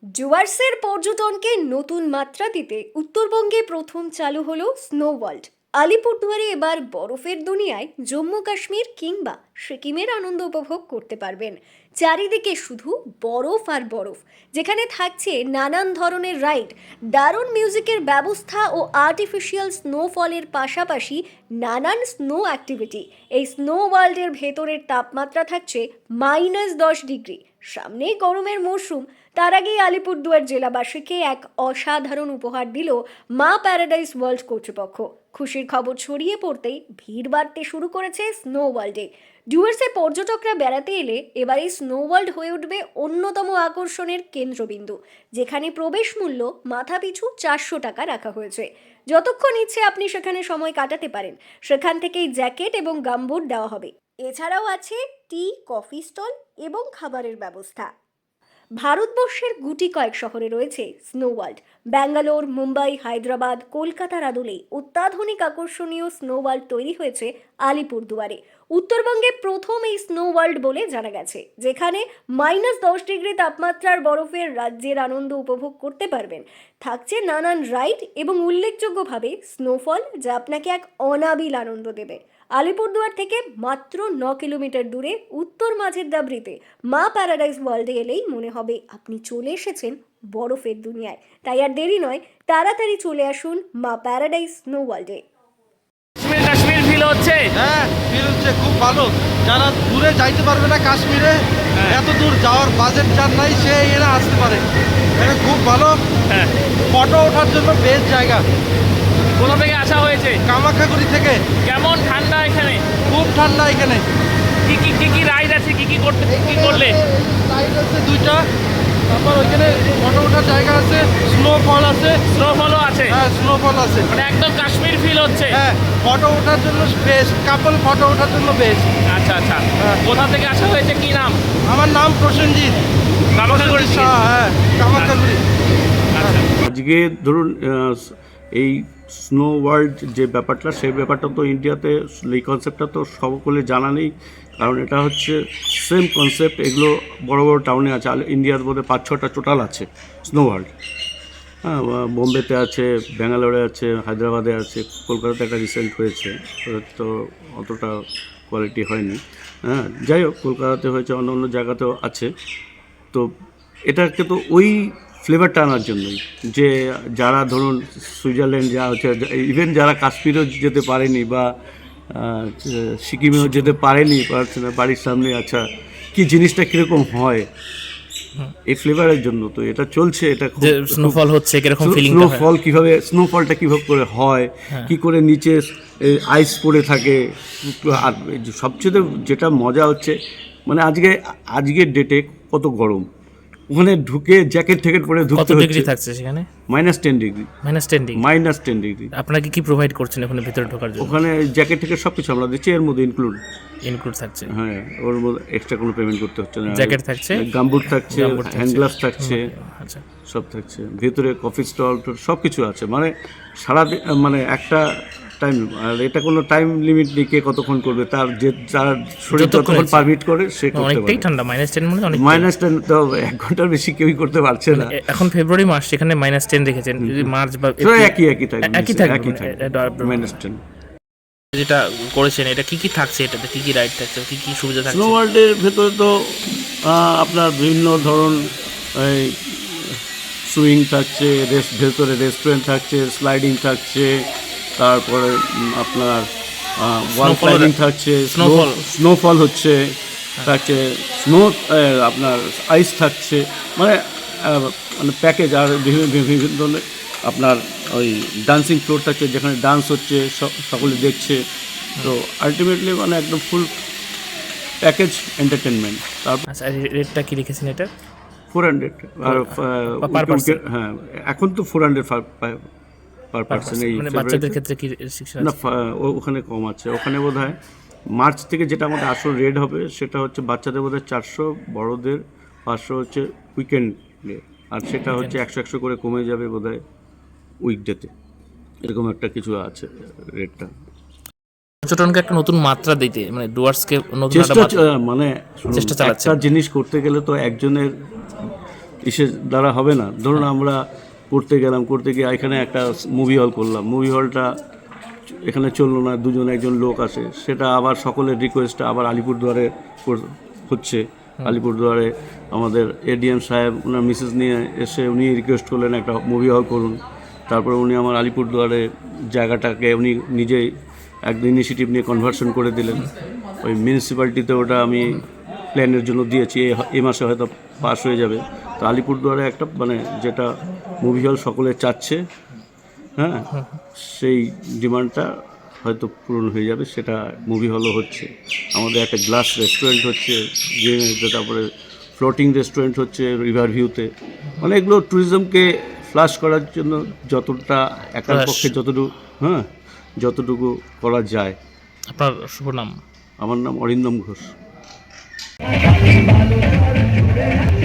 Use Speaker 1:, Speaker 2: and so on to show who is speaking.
Speaker 1: ডুয়ার্সের পর্যটনকে নতুন মাত্রা দিতে উত্তরবঙ্গে প্রথম চালু হলো স্নো ওয়ার্ল্ড। আলিপুরদুয়ারে এবার বরফের দুনিয়ায় জম্মু কাশ্মীর কিংবা সিকিমের আনন্দ উপভোগ করতে পারবেন। চারিদিকে শুধু বরফ আর বরফ, যেখানে থাকছে নানান ধরনের রাইড, দারুণ মিউজিকের ব্যবস্থা ও আর্টিফিশিয়াল স্নোফলের পাশাপাশি নানান স্নো অ্যাক্টিভিটি। এই স্নো ওয়ার্ল্ডের ভেতরের তাপমাত্রা থাকছে -10 ডিগ্রি। সামনেই গরমের মরশুম, তার আগেই আলিপুরদুয়ার জেলাবাসীকে এক অসাধারণ উপহার দিল মা প্যারাডাইস ওয়ার্ল্ড কর্তৃপক্ষ। খুশির খবর ছড়িয়ে পড়তেই ভিড় বাড়তে শুরু করেছে স্নো ওয়ার্ল্ডে। ডুয়ার্সে পর্যটকরা বেড়াতে এলে এবার এই স্নো ওয়ার্ল্ড হয়ে উঠবে অন্যতম আকর্ষণের কেন্দ্রবিন্দু, যেখানে প্রবেশ মূল্য মাথাপিছু 400 টাকা রাখা হয়েছে। যতক্ষণ ইচ্ছে আপনি সেখানে সময় কাটাতে পারেন। সেখান থেকেই জ্যাকেট এবং গামবুট দেওয়া হবে। এছাড়াও আছে টি, কফি স্টল এবং খাবারের ব্যবস্থা। ভারতবর্ষের গুটি কয়েক শহরে রয়েছে স্নো ওয়ার্ল্ড। ব্যাঙ্গালোর, মুম্বাই, হায়দ্রাবাদ, কলকাতার আদলে অত্যাধুনিক আকর্ষণীয় স্নো ওয়ার্ল্ড তৈরি হয়েছে আলিপুরদুয়ারে। উত্তরবঙ্গে প্রথম এই স্নো ওয়ার্ল্ড বলে জানা গেছে, যেখানে -10 ডিগ্রি তাপমাত্রার বরফের রাজ্যের আনন্দ উপভোগ করতে পারবেন। থাকছে নানান রাইড এবং উল্লেখযোগ্যভাবে স্নোফল, যা আপনাকে এক অনাবিল আনন্দ দেবে। আলিপুরদুয়ার থেকে মাত্র 9 কিলোমিটার দূরে উত্তর মাঝের দাবরিতে মা প্যারাডাইস ওয়ার্ল্ডে এলেই মনে হবে আপনি চলে এসেছেন বরফের দুনিয়ায়। তাই আর দেরি নয়, তাড়াতাড়ি চলে আসুন মা প্যারাডাইস স্নো ওয়ার্ল্ডে।
Speaker 2: কাশ্মীর কাশ্মীর ফিল হচ্ছে।
Speaker 3: হ্যাঁ, ফিল হচ্ছে খুব ভালো। যারা দূরে যাইতে পারবে না কাশ্মীরে, এত দূর যাওয়ার বাজেট যার নাই, সে এরা আসতে পারে। এটা খুব ভালো।
Speaker 2: হ্যাঁ,
Speaker 3: ফটো ওঠার জন্য বেস্ট জায়গা।
Speaker 2: কোথা থেকে আসা হয়েছে?
Speaker 3: কামাখ্যাগুড়ি থেকে।
Speaker 2: কেমন ঠান্ডা এখানে?
Speaker 3: খুব ঠান্ডা এখানে।
Speaker 2: কি রাইড আছে? কি করলে?
Speaker 3: রাইড আছে 2টা। তারপর ওইখানে ফটো ওঠার জায়গা আছে, স্নোফল আছে।
Speaker 2: স্নোফলও আছে?
Speaker 3: হ্যাঁ, স্নোফল আছে।
Speaker 2: মানে একদম কাশ্মীর ফিল হচ্ছে।
Speaker 3: হ্যাঁ, ফটো ওঠার জন্য বেস্ট। কাপল ফটো ওঠার জন্য বেস্ট।
Speaker 2: আচ্ছা আচ্ছা।
Speaker 3: হ্যাঁ।
Speaker 2: কোথা থেকে আসা হয়েছে? কি নাম?
Speaker 3: আমার নাম প্রসেনজিৎ।
Speaker 2: কামাখ্যাগুড়ি থেকে?
Speaker 3: হ্যাঁ, কামাখ্যাগুড়ি।
Speaker 2: আচ্ছা।
Speaker 4: আজকে ধরুন এই স্নো ওয়ার্ল্ড যে ব্যাপারটা, সেই ব্যাপারটা তো ইন্ডিয়াতে এই কনসেপ্টটা তো সকলে জানা নেই, কারণ এটা হচ্ছে সেম কনসেপ্ট। এগুলো বড় বড় টাউনে আছে, ইন্ডিয়ার মধ্যে 5-6টা টোটাল আছে স্নো ওয়ার্ল্ড। হ্যাঁ, বোম্বেতে আছে, ব্যাঙ্গালোরে আছে, হায়দ্রাবাদে আছে, কলকাতাতে একটা রিসেন্ট হয়েছে, তো অতটা কোয়ালিটি হয়নি। হ্যাঁ, যাই হোক, কলকাতাতে হয়েছে, অন্য অন্য জায়গাতেও আছে। তো এটাকে তো ওই ফ্লেভারটা আনার জন্যই, যে যারা ধরুন সুইজারল্যান্ড যা হচ্ছে, ইভেন যারা কাশ্মীরেও যেতে পারেনি বা সিকিমেও যেতে পারেনি, বাড়ির সামনে, আচ্ছা কি জিনিসটা কীরকম হয় এই ফ্লেভারের জন্য তো এটা চলছে। এটা
Speaker 2: স্নোফল হচ্ছে কিরকম ফিলিং?
Speaker 4: স্নোফল কীভাবে, স্নোফলটা কীভাবে করে হয়, কি করে নিচে আইস পড়ে থাকে। আর সবচেয়ে যেটা মজা হচ্ছে, মানে আজকের ডেটে কত গরম, ওখানে ঢুকে জ্যাকেট ট্যাকেট পরে ঢুকতে হচ্ছে।
Speaker 2: ডিগ্রি থাকছে সেখানে?
Speaker 4: -10 ডিগ্রি।
Speaker 2: -10 ডিগ্রি।
Speaker 4: আপনারা
Speaker 2: কি প্রোভাইড করছেন ওখানে ভিতরে ঢোকার জন্য?
Speaker 4: ওখানে জ্যাকেট থেকে সব কিছু আমরা দিচ্ছি, এর মধ্যে ইনক্লুড
Speaker 2: থাকছে।
Speaker 4: হ্যাঁ, ওর মধ্যে এক্সট্রা কোনো পেমেন্ট করতে হচ্ছে না।
Speaker 2: জ্যাকেট থাকছে,
Speaker 4: গামবুট থাকছে, হ্যান্ড গ্লাভস থাকছে,
Speaker 2: আচ্ছা
Speaker 4: সব থাকছে। ভেতরে কফি স্টল সব কিছু আছে। মানে সারা মানে একটা টাইম, আর এটা কোনো টাইম লিমিট নেই কে কতক্ষণ করবে, তার যে যার শরীর যতক্ষণ পারমিট করে সে করতে পারে।
Speaker 2: অনেকটাই ঠান্ডা, -10 মানে অনেক।
Speaker 4: -10 তো 1 ঘন্টার বেশি কেউই করতে পারছে না।
Speaker 2: এখন ফেব্রুয়ারি মাস, সেখানে -10 রেখেছেন। যদি মার্চ বা
Speaker 4: একই থাকবে -10।
Speaker 2: যেটা করেছেন, এটা কি থাকছে? এটাতে কি রাইড থাকছে, কি সুবিধা থাকছে?
Speaker 4: স্নো ওয়ার্ল্ডের ভেতরে তো আপনার বিভিন্ন ধরন এই সুইং থাকছে, ভেতরে রেস্টুরেন্ট থাকছে, স্লাইডিং থাকছে, তারপরে আপনার ওয়াল ক্লাইম্বিং থাকছে, স্নোফল হচ্ছে, থাকছে আপনার আইস থাকছে, মানে প্যাকেজ। আর বিভিন্ন ধরনের আপনার ওই ডান্সিং ফ্লোর থাকছে, যেখানে ডান্স হচ্ছে, সকলে দেখছে। তো আলটিমেটলি মানে একদম ফুল প্যাকেজ এন্টারটেনমেন্ট। তারপর
Speaker 2: আচ্ছা, রেটটা কি রেখেছেন এটা?
Speaker 4: 400। আর হ্যাঁ, এখন তো 400 পার পার্সন। এই
Speaker 2: বাচ্চাদের ক্ষেত্রে কি রেস্ট্রিকশন আছে?
Speaker 4: না, ওখানে কম আছে। ওখানে বোধহয় মার্চ থেকে যেটা আমাদের আসল রেট হবে, সেটা হচ্ছে বাচ্চাদের বোধহয় 400, বড়দের 500 হচ্ছে উইকেন্ডে, আর সেটা হচ্ছে 100 করে কমে যাবে বোধহয় উইকডেতে। এরকম একটা কিছু আছে রেটটা।
Speaker 2: পর্যটনকে একটা নতুন মাত্রা দিতে, মানে ডুয়ার্সকে নতুন
Speaker 4: চেষ্টা, মানে একটা জিনিস করতে গেলে তো একজনের ইসের দ্বারা হবে না। ধরুন আমরা করতে গিয়ে এখানে একটা মুভি হল করলাম, মুভি হলটা এখানে চললো না, একজন লোক আসে, সেটা আবার সকলের রিকোয়েস্টে আবার আলিপুরদুয়ারে হচ্ছে। আলিপুরদুয়ারে আমাদের এডিএম সাহেব ওনার মিসেস নিয়ে এসে উনি রিকোয়েস্ট করলেন একটা মুভি হল করুন। তারপরে উনি আমার আলিপুরদুয়ারে জায়গাটাকে উনি নিজেই এক ইনিশিয়েটিভ নিয়ে কনভার্সন করে দিলেন। ওই মিউনিসিপ্যালিটিতে ওটা আমি প্ল্যানের জন্য দিয়েছি, এই মাসে হয়তো পাস হয়ে যাবে। তো আলিপুরদুয়ারে একটা মানে যেটা মুভি হল সকলে চাচ্ছে, হ্যাঁ, সেই ডিমান্ডটা হয়তো পূরণ হয়ে যাবে, সেটা মুভি হলও হচ্ছে। আমাদের একটা গ্লাস রেস্টুরেন্ট হচ্ছে, তারপরে ফ্লোটিং রেস্টুরেন্ট হচ্ছে রিভার ভিউতে। মানে এগুলো ট্যুরিজমকে ফ্লাশ করার জন্য যতটা একার পক্ষে যতটুকু করা যায়।
Speaker 2: আপনার শুভ নাম?
Speaker 4: আমার নাম অরিন্দম ঘোষ।